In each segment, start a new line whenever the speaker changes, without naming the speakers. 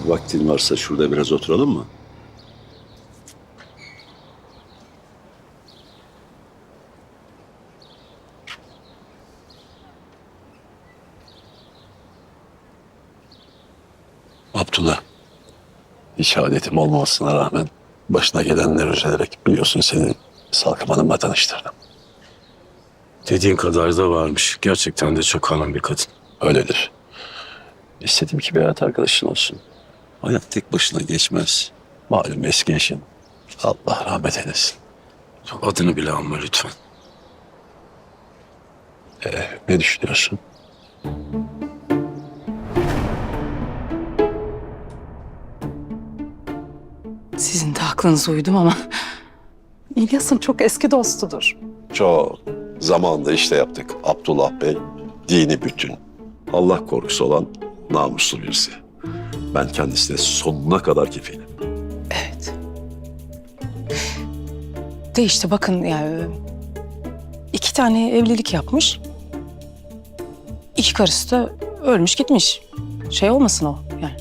Vaktin varsa şurada biraz oturalım mı? Abdullah, hiç adetim olmamasına rağmen başına gelenler üzülerek biliyorsun seni Salkım Hanım'la tanıştırdım.
Dediğin kadar da varmış. Gerçekten de çok hanım bir kadın.
Öyledir. İstedim ki bir hayat arkadaşın olsun. Hayat tek başına geçmez. Malum eski eşin. Allah rahmet eylesin.
Adını bile anma lütfen.
Ne düşünüyorsun?
Sizin de aklınıza uydum ama İlyas'ın çok eski dostudur.
Çok. Zamanında işte yaptık. Abdullah Bey, dini bütün. Allah korkusu olan namuslu birisi. Ben kendisine sonuna kadar kefilim.
Evet. De işte bakın yani 2 tane evlilik yapmış. 2 karısı da ölmüş gitmiş. Şey olmasın o yani.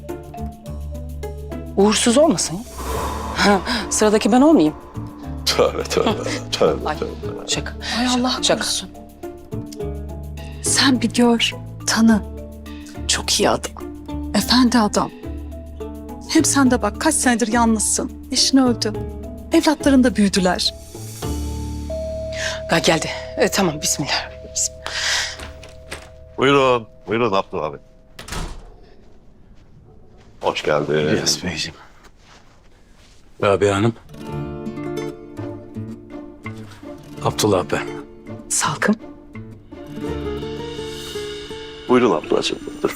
Uğursuz olmasın. Sıradaki ben olmayayım.
Tövbe tövbe. Tövbe
Ay,
tövbe.
şaka.
Ay Allah
Şaka.
korusun. Sen bir gör, tanı. Çok iyi adam. Efendi adam. Hem sen de bak kaç senedir yalnızsın. Eşin öldü. Evlatların da büyüdüler.
Ha, geldi. Tamam bismillah.
Buyurun. Buyurun Abdullah Bey. Hoş geldin.
İlyas Beyciğim. Rabia Hanım. Abdullah ben.
Salkım.
Buyurun Abdullah'cığım. Dur.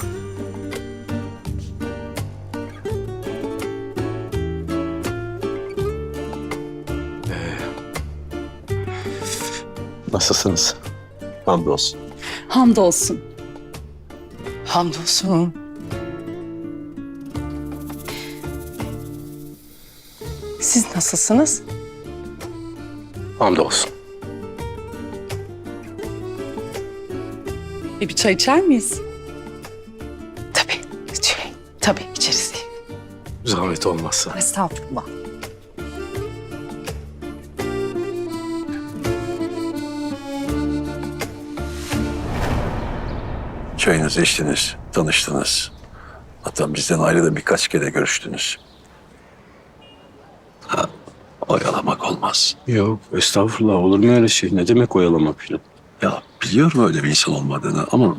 Nasılsınız?
Hamdolsun.
Hamdolsun.
Hamdolsun. Siz nasılsınız?
Hamdolsun.
Bir çay içer miyiz?
Tabii. Tabii içeriz.
Zahmet olmazsa.
Estağfurullah.
Çayınızı içtiniz, tanıştınız. Hatta bizden ayrı da birkaç kere görüştünüz. Ha, oyalamak olmaz.
Yok estağfurullah, olur mu öyle şey? Ne demek oyalamak falan?
Ya biliyorum öyle bir insan olmadığını ama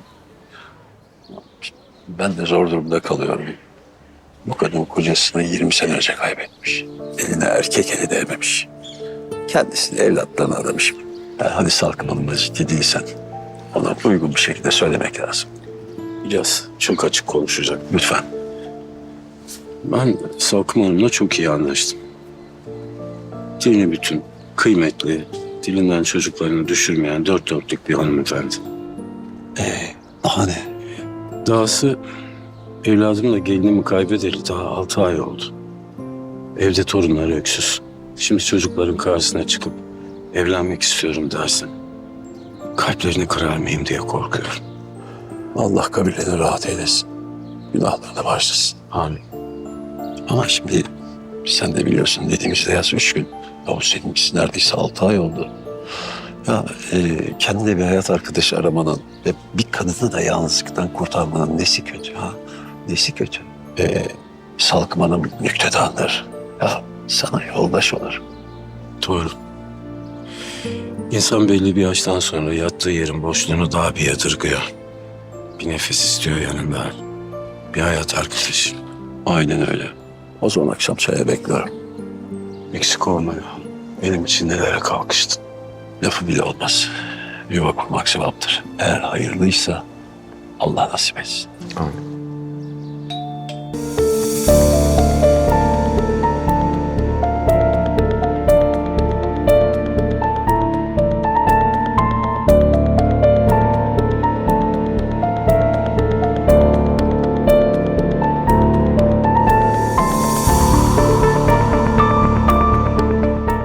ben de zor durumda kalıyorum. Bu kadın kocasını 20 sene önce kaybetmiş. Eline erkek eli değmemiş. Kendisini evlatlarına adamış. Hadi Salkım Hanım'la ciddi değilsen ona uygun bir şekilde söylemek lazım.
İlyas çok açık konuşacak.
Lütfen.
Ben Salkım Hanım'la çok iyi anlaştım. Dini bütün, kıymetli, dilinden çocuklarını düşürmeyen 4 dörtlük bir hanımefendi.
Daha ne?
Dahası evladımla gelinimi kaybedeli daha 6 ay oldu. Evde torunları öksüz. Şimdi çocukların karşısına çıkıp evlenmek istiyorum dersen kalplerini kırar mıyım diye korkuyorum.
Allah kabirlerini rahat eylesin. Günahlarını bağışlasın.
Amin.
Ama şimdi sen de biliyorsun dediğimizde yaz 3 gün. Ya seninkisi neredeyse 6 ay oldu. Ya kendine bir hayat arkadaşı aramanın ve bir kadını da yalnızlıktan kurtarmanın nesi kötü ha? Nesi kötü? Salkım Hanım nüktedandır. Ya sana yoldaş olur.
Doğru. İnsan belli bir yaştan sonra yattığı yerin boşluğunu daha bir yadırgıyor. Bir nefes istiyor yanında. Bir hayat arkadaşı.
Aynen öyle. O zaman akşam çaya bekliyorum.
Eksik olma ya. Benim için nelere kalkıştın.
Lafı bile olmaz. Yuva kurmak sevaptır. Eğer hayırlıysa Allah nasip etsin.
Amin.